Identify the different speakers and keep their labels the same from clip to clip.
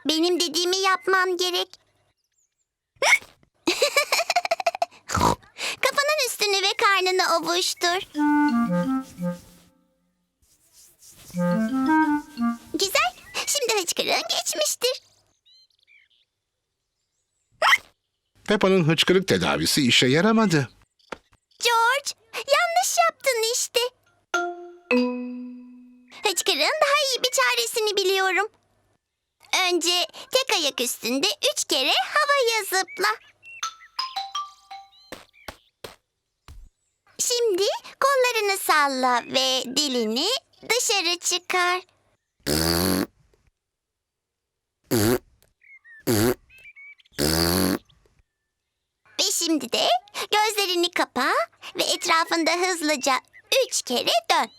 Speaker 1: Benim dediğimi yapman gerek. Kafanın üstünü ve karnını ovuştur. Güzel. Şimdi hıçkırığın geçmiştir.
Speaker 2: Peppa'nın hıçkırık tedavisi işe yaramadı.
Speaker 1: George, yanlış yaptın işte. Hıçkırığın daha iyi bir çaresini biliyorum. Önce tek ayak üstünde 3 kere havaya zıpla. Şimdi kollarını salla ve dilini dışarı çıkar. Ve şimdi de gözlerini kapa ve etrafında hızlıca 3 kere dön.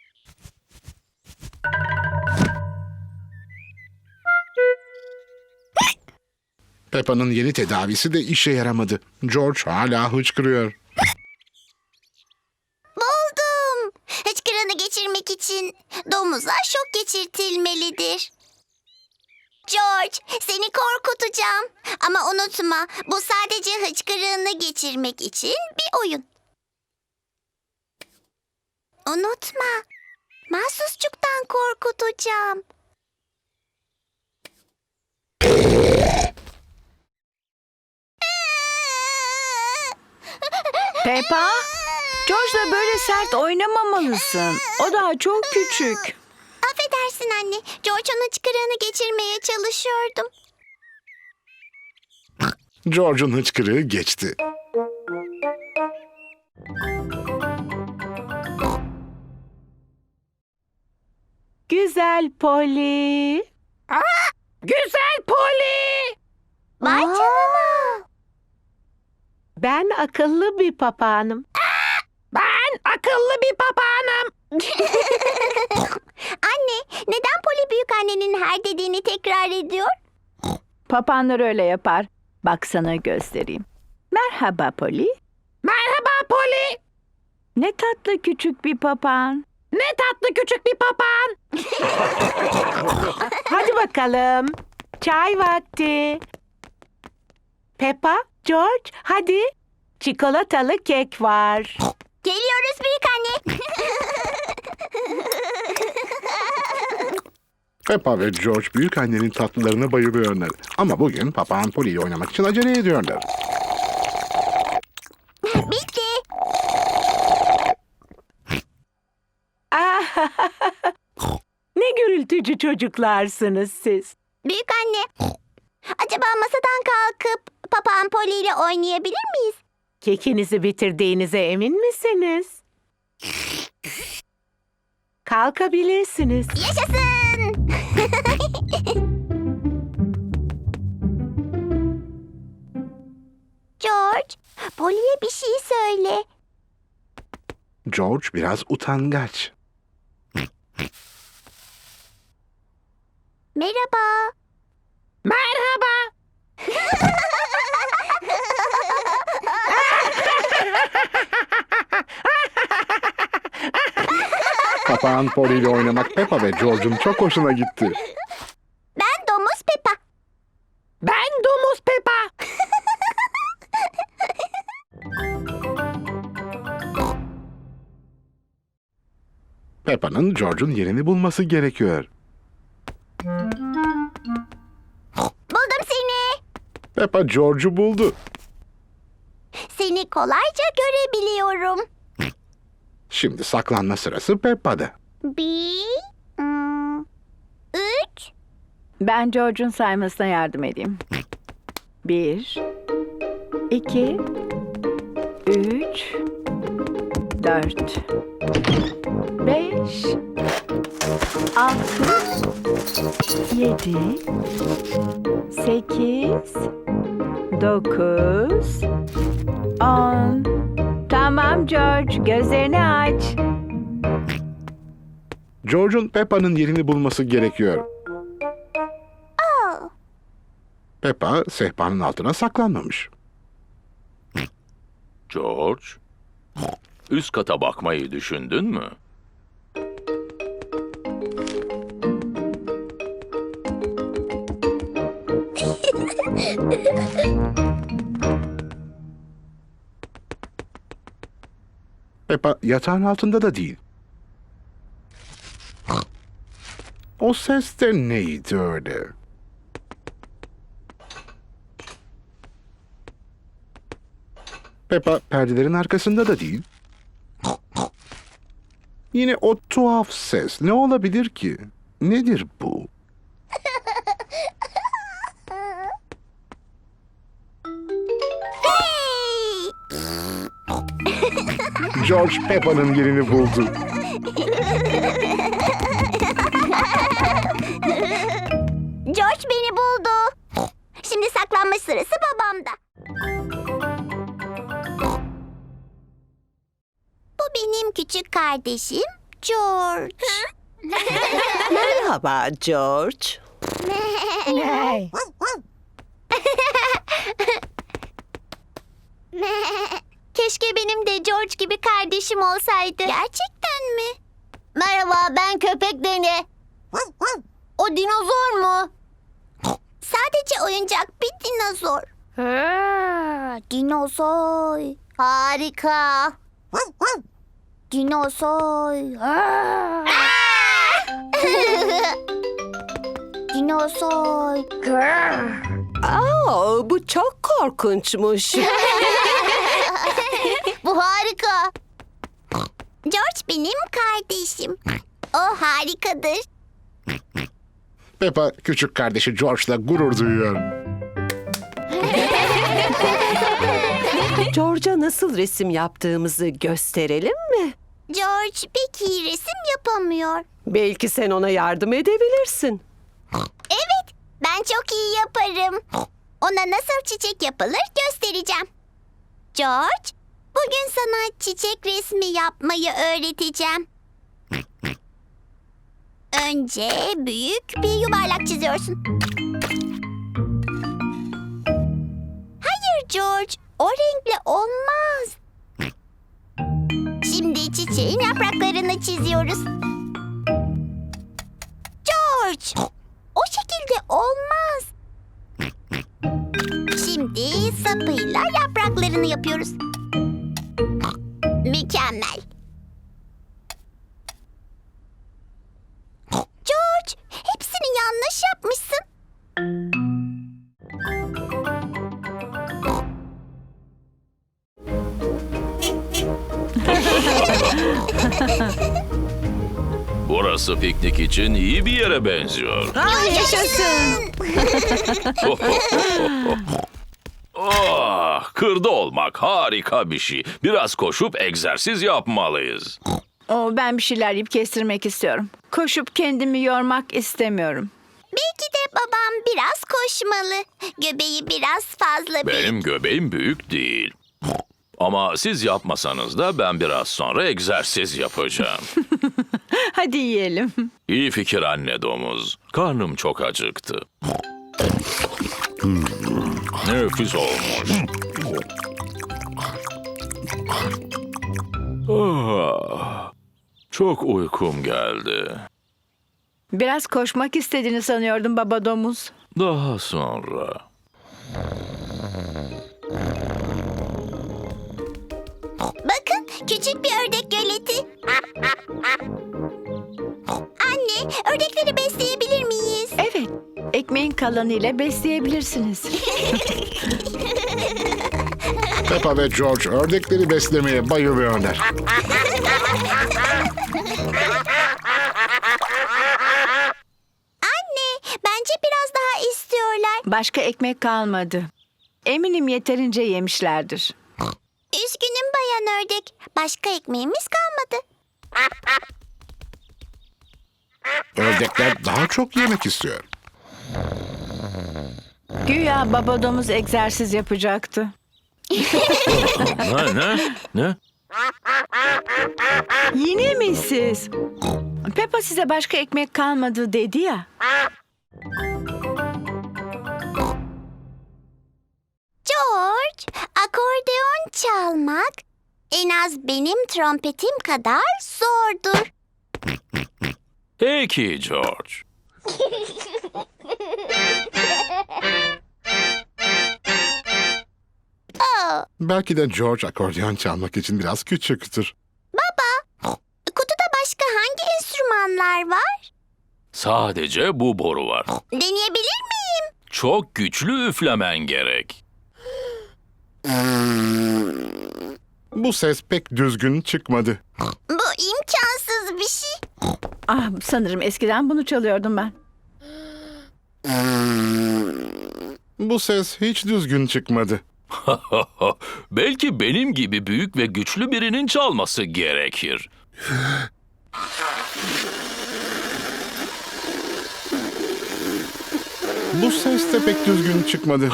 Speaker 2: Peppa'nın yeni tedavisi de işe yaramadı. George hala hıçkırıyor.
Speaker 1: Buldum. Hıçkırığını geçirmek için domuza şok geçirtilmelidir. George, seni korkutacağım. Ama unutma, bu sadece hıçkırığını geçirmek için bir oyun. Unutma, mahsusçuktan korkutacağım.
Speaker 3: Peppa, George'la böyle sert oynamamalısın. O daha çok küçük.
Speaker 1: Affedersin anne, George'un hıçkırığını geçirmeye çalışıyordum.
Speaker 2: George'un hıçkırığı geçti.
Speaker 3: Güzel Polly. Güzel Polly.
Speaker 1: Vay canına.
Speaker 3: Ben akıllı bir papağanım. Ben akıllı bir papağanım.
Speaker 1: Anne, neden Polly büyükannenin her dediğini tekrar ediyor?
Speaker 3: Papağanlar öyle yapar. Bak sana göstereyim. Merhaba Polly. Merhaba Polly. Ne tatlı küçük bir papağan. Ne tatlı küçük bir papağan. Hadi bakalım. Çay vakti. Peppa, George, hadi. Çikolatalı kek var.
Speaker 1: Geliyoruz büyükanne.
Speaker 2: Peppa ve George büyükannenin tatlılarına bayılıyorlar. Ama bugün papağan Polly ile oynamak için acele ediyorlar.
Speaker 1: Bitti.
Speaker 3: Ne gürültücü çocuklarsınız siz.
Speaker 1: Büyükanne, acaba masadan kalkıp papağan Polly ile oynayabilir miyiz?
Speaker 3: Kekinizi bitirdiğinize emin misiniz? Kalkabilirsiniz.
Speaker 1: Yaşasın. George, Polly'ye bir şey söyle.
Speaker 2: George biraz utangaç.
Speaker 1: Merhaba.
Speaker 3: Merhaba.
Speaker 2: Papağan Polly ile oynamak Peppa ve George'un çok hoşuna gitti.
Speaker 1: Ben Domuz Peppa.
Speaker 3: Ben Domuz Peppa.
Speaker 2: Peppa'nın George'un yerini bulması gerekiyor.
Speaker 1: Buldum seni.
Speaker 2: Peppa George'u buldu.
Speaker 1: Seni kolayca görebiliyorum.
Speaker 2: Şimdi saklanma sırası Peppa'da.
Speaker 1: 3.
Speaker 3: Ben George'un saymasına yardım edeyim. 1, 2, 3, 4, 5, 6, 7, 8, 9, 10. Tamam George, gözlerini aç.
Speaker 2: George'un Peppa'nın yerini bulması gerekiyor. Peppa sehpanın altına saklanmamış.
Speaker 4: George, üst kata bakmayı düşündün mü?
Speaker 2: Peppa yatağın altında da değil. O ses de neydi öyle? Peppa perdelerin arkasında da değil. Yine o tuhaf ses. Ne olabilir ki? Nedir bu?
Speaker 1: Hey!
Speaker 2: George Peppa'nın yerini buldu.
Speaker 1: George beni buldu. Şimdi saklanma sırası babamda. Bu benim küçük kardeşim George.
Speaker 5: Merhaba George.
Speaker 1: Keşke benim de George gibi kardeşim olsaydı. Gerçekten mi? Merhaba, ben köpek Deni. O dinozor mu? Sadece oyuncak bir dinozor. Dinozor. Harika. Dinozor. Dinozor.
Speaker 5: Aa, bu çok korkunçmuş.
Speaker 1: Bu harika. George benim kardeşim. O harikadır.
Speaker 2: Peppa küçük kardeşi George'la gurur duyuyor.
Speaker 5: George'a nasıl resim yaptığımızı gösterelim mi?
Speaker 1: George pek iyi resim yapamıyor.
Speaker 5: Belki sen ona yardım edebilirsin.
Speaker 1: Evet, ben çok iyi yaparım. Ona nasıl çiçek yapılır göstereceğim. George, bugün sana çiçek resmi yapmayı öğreteceğim. Önce büyük bir yuvarlak çiziyorsun. Hayır George, o renkle olmaz. Şimdi çiçeğin yapraklarını çiziyoruz. George, o şekilde olmaz. Şimdi sapıyla yapraklarını yapıyoruz. Mükemmel. George, hepsini yanlış yapmışsın.
Speaker 4: Burası piknik için iyi bir yere benziyor.
Speaker 3: Yaşasın.
Speaker 4: Oh, kırda olmak harika bir şey. Biraz koşup egzersiz yapmalıyız.
Speaker 3: Ben bir şeyler yiyip kestirmek istiyorum. Koşup kendimi yormak istemiyorum.
Speaker 1: Belki de babam biraz koşmalı. Göbeği biraz fazla büyük.
Speaker 4: Benim göbeğim büyük değil. Ama siz yapmasanız da ben biraz sonra egzersiz yapacağım.
Speaker 3: Hadi yiyelim.
Speaker 4: İyi fikir anne domuz. Karnım çok acıktı. Nefis olmuş. Ah, çok uykum geldi.
Speaker 3: Biraz koşmak istediğini sanıyordum baba domuz.
Speaker 4: Daha sonra.
Speaker 1: Bakın, küçük bir ördek göleti. Anne, ördekleri besleyebilir miyiz?
Speaker 3: Evet, ekmeğin kalanıyla besleyebilirsiniz.
Speaker 2: Peppa ve George ördekleri beslemeye bayılıyorlar.
Speaker 1: Anne, bence biraz daha istiyorlar.
Speaker 3: Başka ekmek kalmadı. Eminim yeterince yemişlerdir.
Speaker 1: Üzgünüm bayan ördek. Başka ekmeğimiz kalmadı.
Speaker 2: Ördekler daha çok yemek istiyor.
Speaker 3: Güya baba domuz egzersiz yapacaktı.
Speaker 4: Ne?
Speaker 3: Yine mi siz? Peppa size başka ekmek kalmadı dedi ya.
Speaker 1: George, akordeon çalmak en az benim trompetim kadar zordur.
Speaker 4: Peki George.
Speaker 2: Belki de George akordeon çalmak için biraz küçüktür.
Speaker 1: Kutuda başka hangi enstrümanlar var?
Speaker 4: Sadece bu boru var.
Speaker 1: Deneyebilir miyim?
Speaker 4: Çok güçlü üflemen gerek.
Speaker 2: Bu ses pek düzgün çıkmadı.
Speaker 1: Bu imkansız bir şey.
Speaker 3: Ah, sanırım eskiden bunu çalıyordum ben.
Speaker 2: Bu ses hiç düzgün çıkmadı.
Speaker 4: Belki benim gibi büyük ve güçlü birinin çalması gerekir.
Speaker 2: Bu ses de pek düzgün çıkmadı.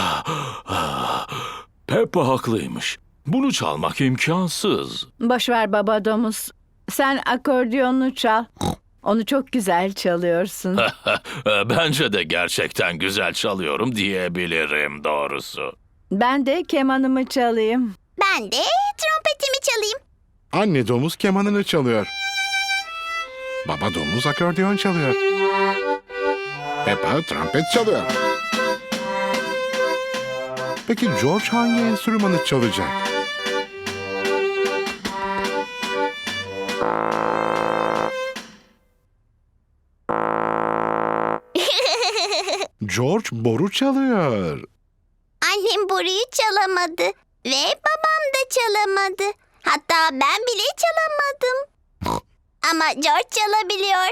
Speaker 4: Peppa haklıymış. Bunu çalmak imkansız.
Speaker 3: Boş ver baba domuz. Sen akordeonunu çal. Onu çok güzel çalıyorsun.
Speaker 4: Bence de gerçekten güzel çalıyorum diyebilirim doğrusu.
Speaker 3: Ben de kemanımı çalayım.
Speaker 1: Ben de trompetimi çalayım.
Speaker 2: Anne domuz kemanını çalıyor. Baba domuz akordeon çalıyor. Peppa trompet çalıyor. Peki George hangi enstrümanı çalacak? George boru çalıyor.
Speaker 1: Annem boruyu çalamadı ve babam da çalamadı. Hatta ben bile çalamadım. Ama George çalabiliyor.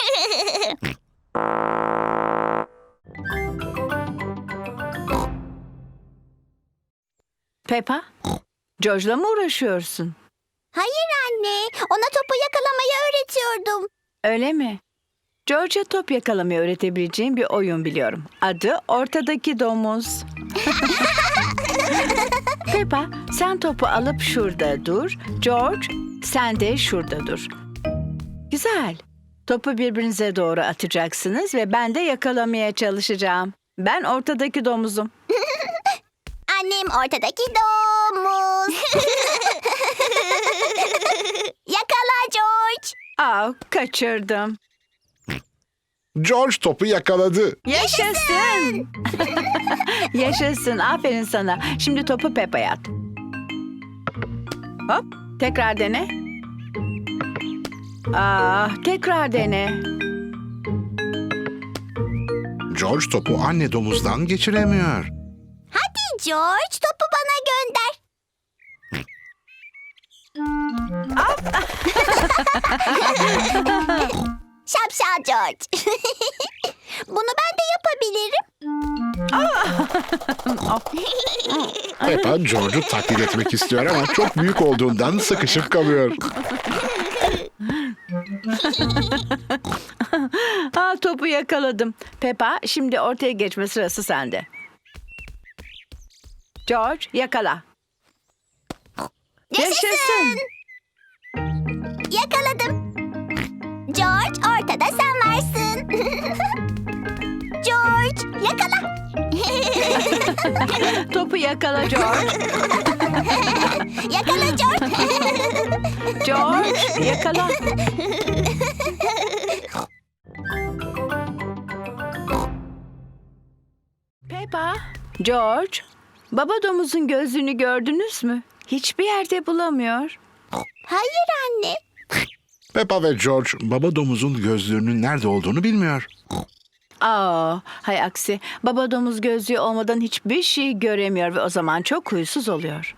Speaker 3: Peppa, George'la mı uğraşıyorsun?
Speaker 1: Hayır anne, ona topu yakalamayı öğretiyordum.
Speaker 3: Öyle mi? George'a top yakalamayı öğretebileceğim bir oyun biliyorum. Adı Ortadaki Domuz. Peppa, sen topu alıp şurada dur. George, sen de şurada dur. Güzel. Topu birbirinize doğru atacaksınız ve ben de yakalamaya çalışacağım. Ben ortadaki domuzum.
Speaker 1: Annem ortadaki domuz. Yakala George.
Speaker 3: Aa, kaçırdım.
Speaker 2: George topu yakaladı.
Speaker 3: Yaşasın. Yaşasın. Aferin sana. Şimdi topu Peppa'ya at. Hop. Tekrar dene. Tekrar dene.
Speaker 2: George topu anne domuzdan geçiremiyor.
Speaker 1: Hadi George, topu bana gönder. Şapşal George. Bunu ben de yapabilirim.
Speaker 2: Peppa George'u taklit etmek istiyor ama çok büyük olduğundan sıkışıp kalıyor.
Speaker 3: Topu yakaladım. Peppa, şimdi ortaya geçme sırası sende. George, yakala. Yaşasın.
Speaker 1: Yakaladım. George, ortada sen varsın. George, yakala.
Speaker 3: Topu yakala George.
Speaker 1: Yakala George.
Speaker 3: George, yakala. Peppa, George, baba domuzun gözlüğünü gördünüz mü? Hiçbir yerde bulamıyor.
Speaker 1: Hayır anne.
Speaker 2: Peppa ve George baba domuzun gözlüğünün nerede olduğunu bilmiyor.
Speaker 3: Hay aksi. Baba domuz gözlüğü olmadan hiçbir şey göremiyor ve o zaman çok huysuz oluyor.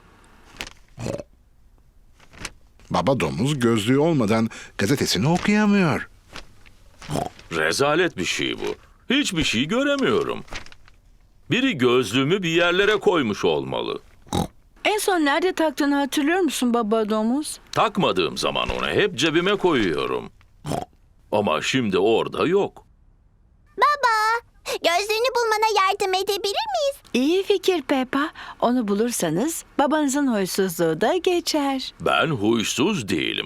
Speaker 2: Baba domuz gözlüğü olmadan gazetesini okuyamıyor.
Speaker 4: Rezalet bir şey bu. Hiçbir şey göremiyorum. Biri gözlüğümü bir yerlere koymuş olmalı.
Speaker 3: En son nerede taktığını hatırlıyor musun baba domuz?
Speaker 4: Takmadığım zaman onu hep cebime koyuyorum. Ama şimdi orada yok.
Speaker 1: Baba, gözlüğünü bulmana yardım edebilir miyiz?
Speaker 3: İyi fikir Peppa. Onu bulursanız babanızın huysuzluğu da geçer.
Speaker 4: Ben huysuz değilim.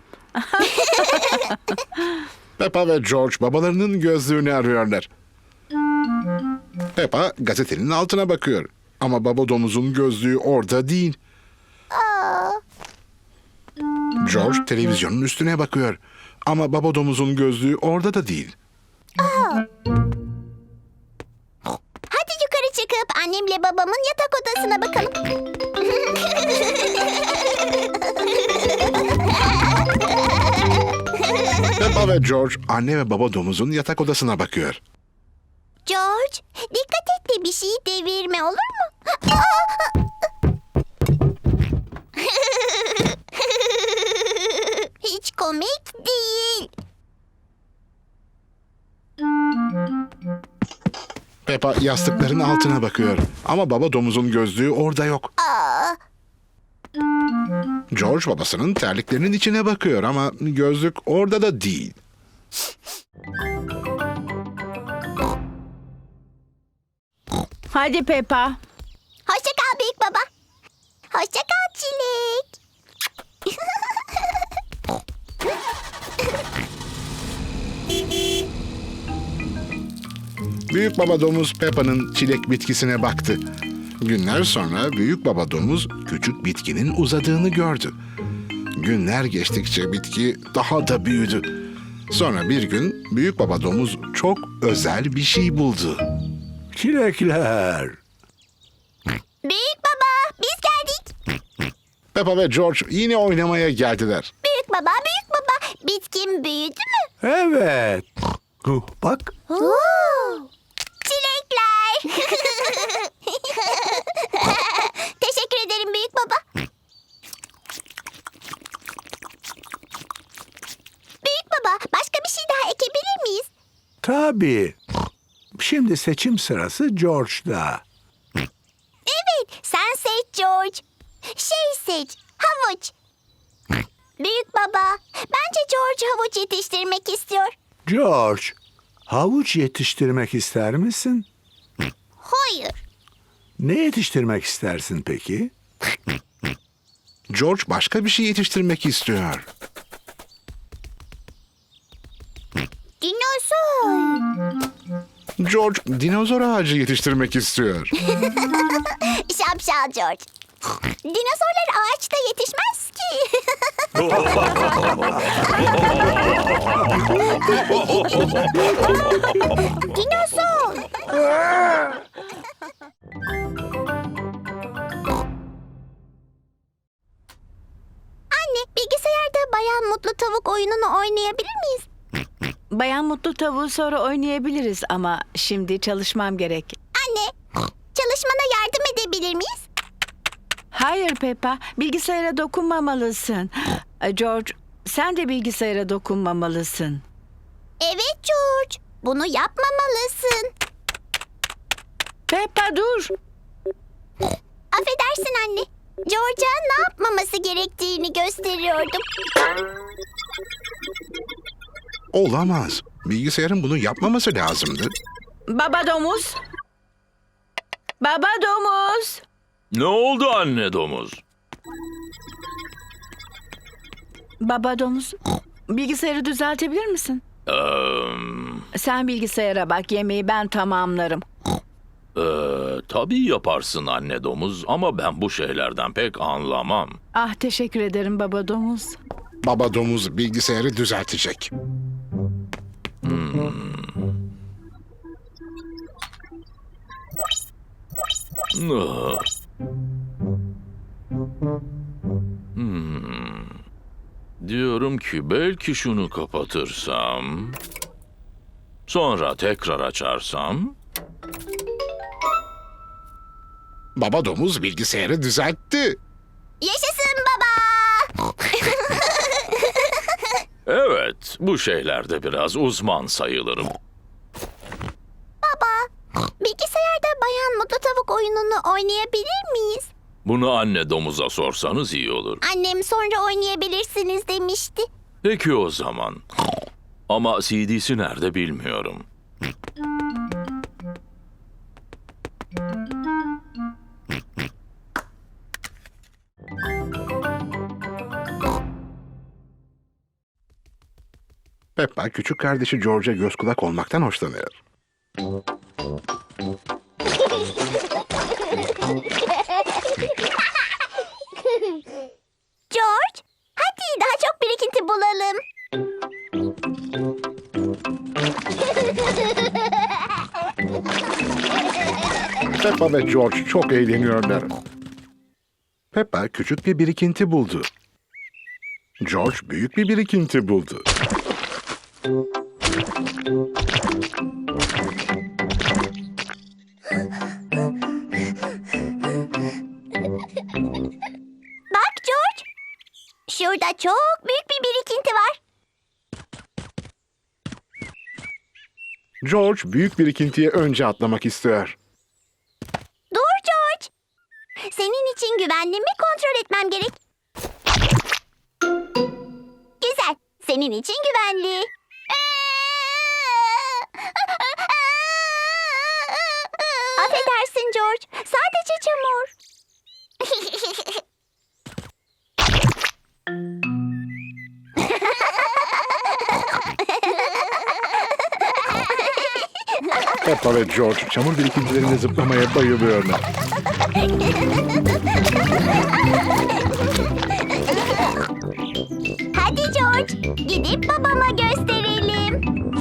Speaker 2: Peppa ve George babalarının gözlüğünü arıyorlar. Peppa gazetenin altına bakıyor. Ama baba domuzun gözlüğü orada değil. George televizyonun üstüne bakıyor. Ama baba domuzun gözlüğü orada da değil.
Speaker 1: Hadi yukarı çıkıp Annemle babamın yatak odasına bakalım.
Speaker 2: Peppa ve George anne ve baba domuzun yatak odasına bakıyor.
Speaker 1: George, dikkat et de bir şeyi devirme, olur mu? Hiç komik değil.
Speaker 2: Peppa yastıkların altına bakıyor ama baba domuzun gözlüğü orada yok.
Speaker 1: Aa,
Speaker 2: George babasının terliklerinin içine bakıyor ama gözlük orada da değil.
Speaker 3: Hadi Peppa.
Speaker 1: hoşça kal büyük baba. Hoşça kal Çilek.
Speaker 2: Büyük baba domuz Peppa'nın çilek bitkisine baktı. Günler sonra büyük baba domuz küçük bitkinin uzadığını gördü. Günler geçtikçe bitki daha da büyüdü. Sonra bir gün büyük baba domuz çok özel bir şey buldu.
Speaker 6: Çilekler.
Speaker 1: Büyük baba, biz geldik.
Speaker 2: Peppa ve George yine oynamaya geldiler.
Speaker 1: Büyük baba, büyük baba. Bitkin büyüdü mü?
Speaker 6: Evet. Bak.
Speaker 1: Çilekler. Teşekkür ederim büyük baba. Büyük baba, başka bir şey daha ekebilir miyiz?
Speaker 6: Tabii. Şimdi seçim sırası George'da.
Speaker 1: Evet, sen seç George. Seç, havuç. Büyük baba, bence George havuç yetiştirmek istiyor.
Speaker 6: George, havuç yetiştirmek ister misin?
Speaker 1: Hayır.
Speaker 6: Ne yetiştirmek istersin peki?
Speaker 2: George başka bir şey yetiştirmek istiyor.
Speaker 1: Dinozor.
Speaker 2: George dinozor ağacı yetiştirmek istiyor.
Speaker 1: Şapşal George. Dinozorlar ağaçta yetişmez ki. Dinozor. Anne, bilgisayarda Bayan Mutlu Tavuk oyununu oynayabilir miyiz?
Speaker 3: Bayan Mutlu Tavuğu sonra oynayabiliriz ama şimdi çalışmam gerek.
Speaker 1: Anne, çalışmana yardım edebilir miyiz?
Speaker 3: Hayır Peppa, bilgisayara dokunmamalısın. George, sen de bilgisayara dokunmamalısın.
Speaker 1: Evet George, bunu yapmamalısın.
Speaker 3: Peppa dur.
Speaker 1: Affedersin anne. George'a ne yapmaması gerektiğini gösteriyordum.
Speaker 2: Olamaz. Bilgisayarın bunu yapmaması lazımdı.
Speaker 3: Baba domuz. Baba domuz.
Speaker 4: Ne oldu anne domuz?
Speaker 3: Baba domuz. Bilgisayarı düzeltebilir misin? Sen bilgisayara bak, yemeği ben tamamlarım.
Speaker 4: Tabii yaparsın anne domuz ama ben bu şeylerden pek anlamam.
Speaker 3: Ah, teşekkür ederim baba domuz.
Speaker 2: Baba domuz bilgisayarı düzeltecek.
Speaker 4: Ah. Diyorum ki belki şunu kapatırsam, sonra tekrar açarsam.
Speaker 2: Baba domuz bilgisayarı düzeltti.
Speaker 1: Yaşasın baba.
Speaker 4: Evet, bu şeylerde biraz uzman sayılırım.
Speaker 1: Bilgisayarda Bayan Mutlu Tavuk oyununu oynayabilir miyiz?
Speaker 4: Bunu anne domuza sorsanız iyi olur.
Speaker 1: Annem sonra oynayabilirsiniz demişti.
Speaker 4: Peki o zaman. Ama CD'si nerede bilmiyorum.
Speaker 2: Peppa küçük kardeşi George'a göz kulak olmaktan hoşlanıyor.
Speaker 1: George, hadi daha çok birikinti bulalım.
Speaker 2: Peppa ve George çok eğleniyorlar. Peppa küçük bir birikinti buldu. George büyük bir birikinti buldu.
Speaker 1: Bak George. Şurada çok büyük bir birikinti var.
Speaker 2: George büyük birikintiye önce atlamak istiyor.
Speaker 1: Dur George. Senin için güvenli mi kontrol etmem gerek? Güzel. Senin için güvenli. Affedersin George. Sadece çamur.
Speaker 2: Peppa ve George çamur birikintilerinde zıplamaya bayılıyorlar.
Speaker 1: Hadi George. Gidip babama gösterelim.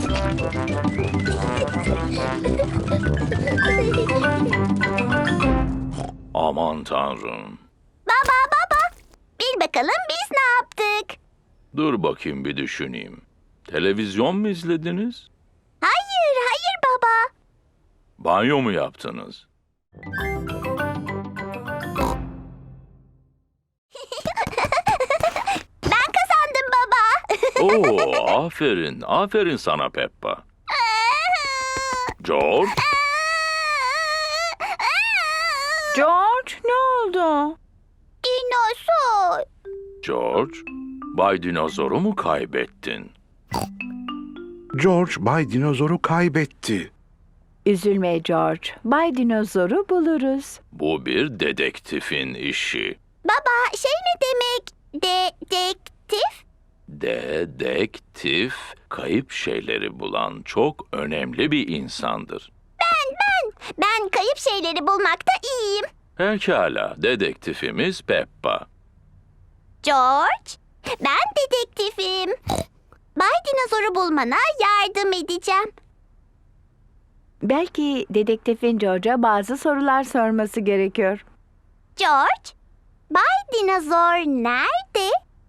Speaker 4: Aman tanrım.
Speaker 1: Baba. Bil bakalım biz ne yaptık?
Speaker 4: Dur bakayım bir düşüneyim. Televizyon mu izlediniz?
Speaker 1: Hayır baba.
Speaker 4: Banyo mu yaptınız?
Speaker 1: Ben kazandım baba.
Speaker 4: Oo, aferin sana Peppa. George,
Speaker 3: George, ne oldu?
Speaker 1: Dinozor.
Speaker 4: George, Bay Dinozor'u mu kaybettin?
Speaker 2: George Bay Dinozor'u kaybetti.
Speaker 3: Üzülme George. Bay Dinozor'u buluruz.
Speaker 4: Bu bir dedektifin işi.
Speaker 1: Baba şey ne demek? Dedektif?
Speaker 4: Dedektif, kayıp şeyleri bulan çok önemli bir insandır.
Speaker 1: Ben kayıp şeyleri bulmakta iyiyim.
Speaker 4: Pekala, dedektifimiz Peppa.
Speaker 1: George, ben dedektifim. Bay Dinozor'u bulmana yardım edeceğim.
Speaker 3: Belki dedektifin George'a bazı sorular sorması gerekiyor.
Speaker 1: George, Bay Dinozor nerede?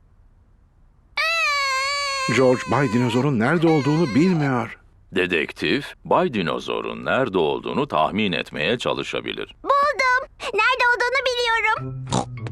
Speaker 2: George Bay Dinozor'un nerede olduğunu bilmiyor.
Speaker 4: Dedektif, Bay Dinozor'un nerede olduğunu tahmin etmeye çalışabilir.
Speaker 1: Buldum. Nerede olduğunu biliyorum.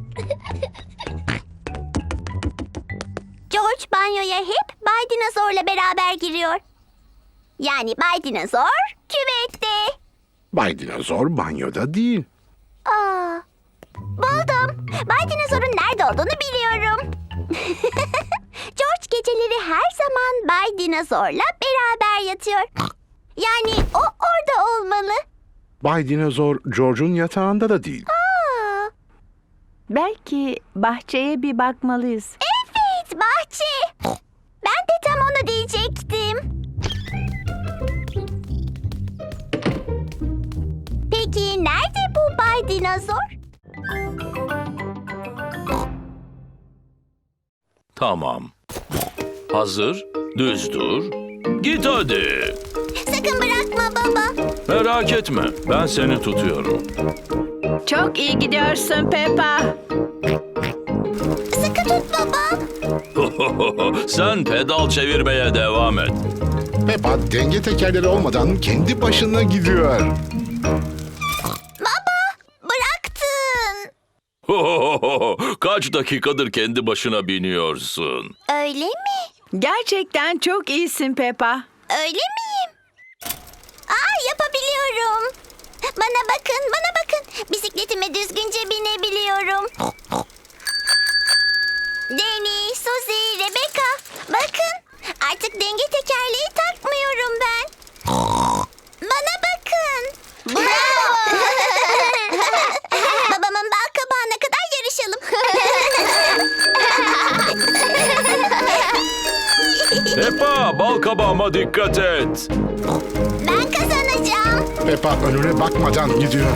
Speaker 1: George banyoya hep Bay Dinozor'la beraber giriyor. Yani Bay Dinozor küvette.
Speaker 2: Bay Dinozor banyoda değil.
Speaker 1: Aa, buldum. Bay Dinozor'un nerede olduğunu biliyorum. George geceleri her zaman Bay Dinozor'la beraber yatıyor. Yani o orada olmalı.
Speaker 2: Bay Dinozor George'un yatağında da değil.
Speaker 1: Aa,
Speaker 3: Belki bahçeye bir bakmalıyız.
Speaker 1: evet bahçe. Ben de tam onu diyecektim. Peki nerede bu Bay Dinozor?
Speaker 4: Tamam. Hazır, düz dur. Git hadi.
Speaker 1: Sakın bırakma baba.
Speaker 4: Merak etme, ben seni tutuyorum.
Speaker 3: Çok iyi gidiyorsun Peppa.
Speaker 1: Sıkı tut baba.
Speaker 4: Sen pedal çevirmeye devam et.
Speaker 2: Peppa denge tekerleri olmadan kendi başına gidiyor.
Speaker 1: Baba bıraktın.
Speaker 4: Kaç dakikadır kendi başına biniyorsun?
Speaker 1: Öyle mi?
Speaker 3: Gerçekten çok iyisin Peppa.
Speaker 1: Öyle miyim? Aa yapabiliyorum. Bana bakın. Bisikletime düzgünce binebiliyorum. Danny, Suzy, Rebecca. Bakın. Artık denge tekerleği takmıyorum ben. Bana bakın. Bravo. Babamın bal kabağına kadar yarışalım.
Speaker 4: Peppa, bal kabağıma dikkat et.
Speaker 1: Ben kazanacağım.
Speaker 2: Peppa önüne bakmadan gidiyor.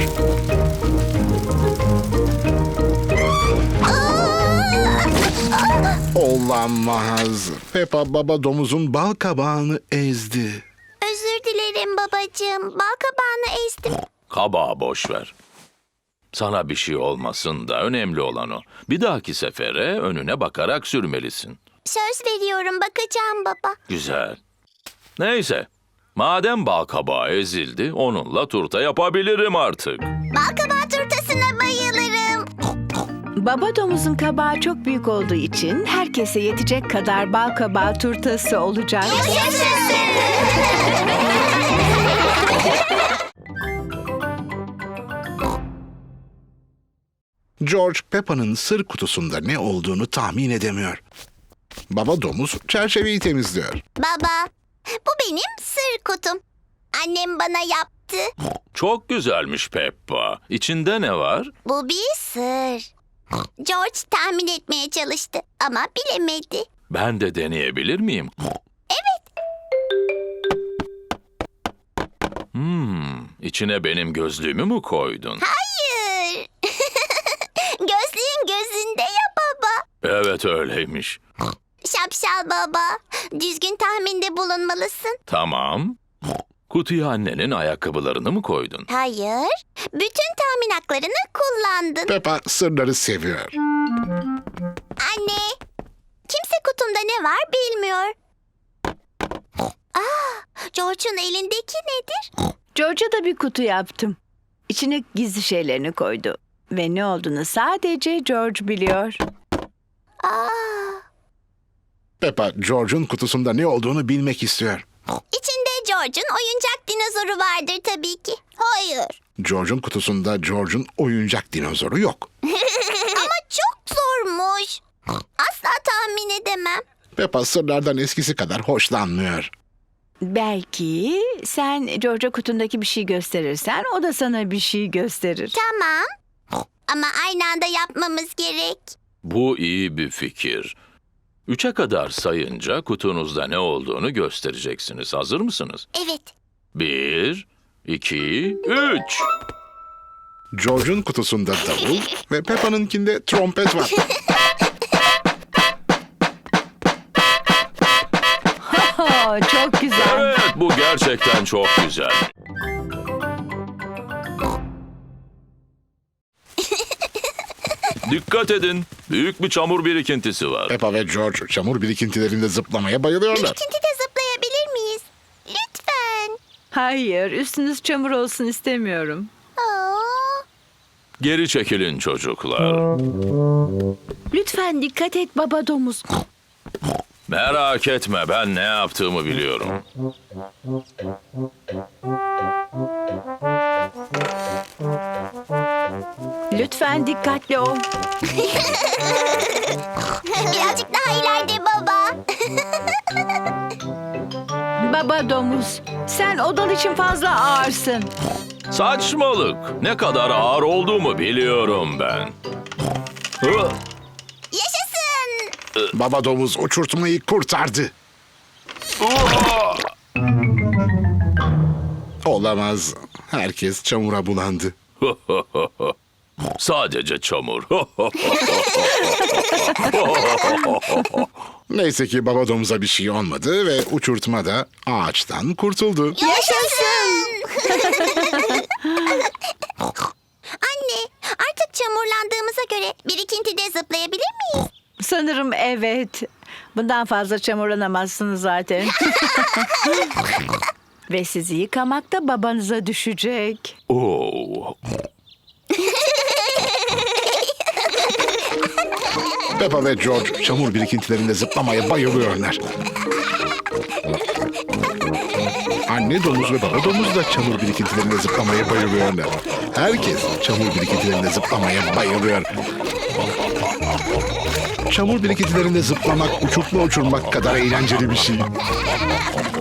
Speaker 2: Olamaz. Peppa baba domuzun bal kabağını ezdi.
Speaker 1: Özür dilerim babacığım. Bal kabağını ezdim.
Speaker 4: Kabağı boş ver. Sana bir şey olmasın da önemli olan o. Bir dahaki sefere önüne bakarak sürmelisin.
Speaker 1: Söz veriyorum, bakacağım baba.
Speaker 4: Güzel. Neyse. Madem bal kabağı ezildi, onunla turta yapabilirim artık.
Speaker 1: Bal kabağı turtasına bayılırım.
Speaker 3: Baba domuzun kabağı çok büyük olduğu için herkese yetecek kadar bal kabağı turtası olacak.
Speaker 2: George, Peppa'nın sır kutusunda ne olduğunu tahmin edemiyor. Baba domuz çerçeveyi temizliyor.
Speaker 1: Baba, bu benim sır kutum. Annem bana yaptı.
Speaker 4: Çok güzelmiş Peppa. İçinde ne var?
Speaker 1: Bu bir sır. George tahmin etmeye çalıştı ama bilemedi.
Speaker 4: Ben de deneyebilir miyim? İçine benim gözlüğümü mü koydun?
Speaker 1: Hayır. Gözlüğün gözünde ya baba.
Speaker 4: Evet öyleymiş.
Speaker 1: Şapşal baba. Düzgün tahminde bulunmalısın.
Speaker 4: Tamam. Kutuya annenin ayakkabılarını mı koydun?
Speaker 1: Hayır. Bütün tahmin haklarını kullandın.
Speaker 2: Peppa sırları seviyor.
Speaker 1: Anne. Kimse kutumda ne var bilmiyor. George'un elindeki nedir?
Speaker 3: George'a da bir kutu yaptım. İçine gizli şeylerini koydu. Ve ne olduğunu sadece George biliyor.
Speaker 2: Peppa, George'un kutusunda ne olduğunu bilmek istiyor.
Speaker 1: İçinde George'un oyuncak dinozoru vardır tabii ki. Hayır.
Speaker 2: George'un kutusunda George'un oyuncak dinozoru yok.
Speaker 1: Ama çok zormuş. Asla tahmin edemem.
Speaker 2: Peppa sırlardan eskisi kadar hoşlanmıyor.
Speaker 3: Belki sen George'a kutundaki bir şey gösterirsen o da sana bir şey gösterir.
Speaker 1: Tamam. Ama aynı anda yapmamız gerek.
Speaker 4: Bu iyi bir fikir. 3'e kadar sayınca kutunuzda ne olduğunu göstereceksiniz. Hazır mısınız?
Speaker 1: Evet.
Speaker 4: 1, 2, 3.
Speaker 2: George'un kutusunda davul ve Peppa'nınkinde trompet var.
Speaker 3: Çok güzel.
Speaker 4: Evet, bu gerçekten çok güzel. Dikkat edin. Büyük bir çamur birikintisi var.
Speaker 2: Peppa ve George çamur birikintilerinde zıplamaya bayılıyorlar.
Speaker 1: Birikintide zıplayabilir miyiz? Lütfen.
Speaker 3: Hayır, üstünüz çamur olsun istemiyorum.
Speaker 4: Geri çekilin çocuklar.
Speaker 3: Lütfen dikkat et baba domuz.
Speaker 4: Merak etme, ben ne yaptığımı biliyorum.
Speaker 3: Lütfen dikkatli ol.
Speaker 1: Birazcık daha ileride baba.
Speaker 3: Baba domuz, sen odan için fazla ağırsın.
Speaker 4: Saçmalık. Ne kadar ağır olduğumu biliyorum ben. Hı,
Speaker 1: Yaşasın.
Speaker 2: Baba domuz uçurtmayı kurtardı. Olamaz. Herkes çamura bulandı.
Speaker 4: Sadece çamur.
Speaker 2: Neyse ki baba domuza bir şey olmadı ve uçurtma da ağaçtan kurtuldu.
Speaker 1: Yaşasın. Anne, artık çamurlandığımıza göre birikintide zıplayabilir miyiz?
Speaker 3: Sanırım evet. Bundan fazla çamurlanamazsınız zaten. Ve sizi yıkamak da babanıza düşecek.
Speaker 4: Oo.
Speaker 2: Peppa ve George çamur birikintilerinde zıplamaya bayılıyorlar. Anne domuz ve baba domuz da çamur birikintilerinde zıplamaya bayılıyorlar. Herkes çamur birikintilerinde zıplamaya bayılıyor. Çamur birikintilerinde zıplamak uçurtma uçurmak kadar eğlenceli bir şey.